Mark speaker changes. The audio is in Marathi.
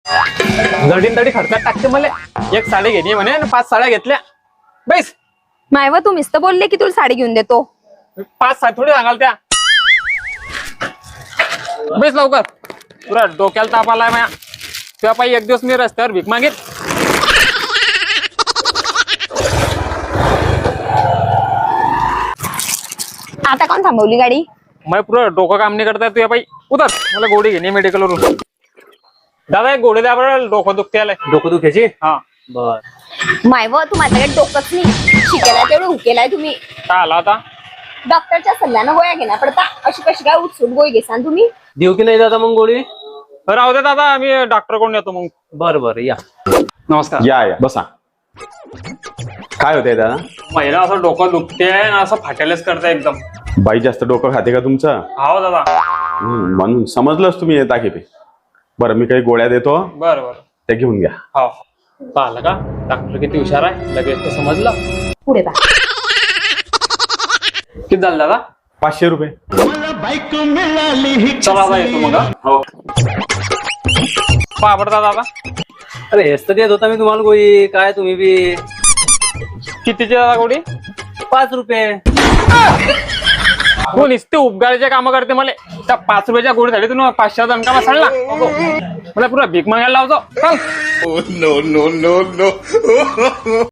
Speaker 1: जडीन तडी खर्चात टाकते मला. एक साडी घेणे म्हणे आणि 5 साड्या घेतल्या. बैस.
Speaker 2: मायव तुम्हीच तर बोलले की तुला साडी घेऊन देतो.
Speaker 1: 5 साडी थोडी सांगाल त्या. बैस लवकर. पुरा डोक्याला ताप आलाय माया. तेव्हा पायी एक दिवस मी रस्त्यावर भीक मागेल.
Speaker 2: आता कोण थांबवली गाडी?
Speaker 1: मग पुरा डोकं काम नाही करताय तुझ्या पायी. उतर. मला गोळी घेणे मेडिकलवरून. दादा एक गोळी द्या बरं, डोकं दुखते आलंय.
Speaker 3: डोकं दुखायची.
Speaker 1: हा
Speaker 3: बर.
Speaker 2: मायव तू माझ्याकडे डोकंच नाही. शिकायला तेवढं हुकेलाय तुम्ही.
Speaker 1: काय आला आता?
Speaker 2: डॉक्टरच्या सल्ल्यानं गोळ्या घेण्या पडता. अशी कशी काय उठसूट गोळी घेसान तुम्ही?
Speaker 3: देऊ की नाही दादा मग गोळी?
Speaker 1: राहू दे दादा, मी डॉक्टर कोण येतो मग.
Speaker 3: बर बर या.
Speaker 1: नमस्कार.
Speaker 4: या बसा. काय होतंय दादा?
Speaker 1: महिला असं डोकं दुखते आणि असं फाटेलच करते एकदम.
Speaker 4: बाई जास्त डोकं खाते का तुमचं?
Speaker 1: हो दादा.
Speaker 4: म्हणून समजलंच तुम्ही येता की. बरं मी काही गोळ्या देतो,
Speaker 1: बरं बरं.
Speaker 4: त्या घेऊन घ्या.
Speaker 1: हो. पाहिलं का डॉक्टर किती हुशार आहे, लगेच तर समजलं.
Speaker 2: पुढे बा.
Speaker 1: किती झालं दादा?
Speaker 4: 500 रुपये.
Speaker 1: चला दादा येतो मग. हो. पाबडता दादा.
Speaker 3: अरे हेच तर देत होता मी तुम्हाला गोळी. काय तुम्ही बी.
Speaker 1: कितीची दादा गोडी?
Speaker 3: 5 रुपये.
Speaker 1: हो नुसते उपगाळीचे काम करते मला. त्या 5 रुपयाच्या गोडीसाठी तुम्ही 500 दणका बसला. मला पुरा भीक मागायला लावतो. चल.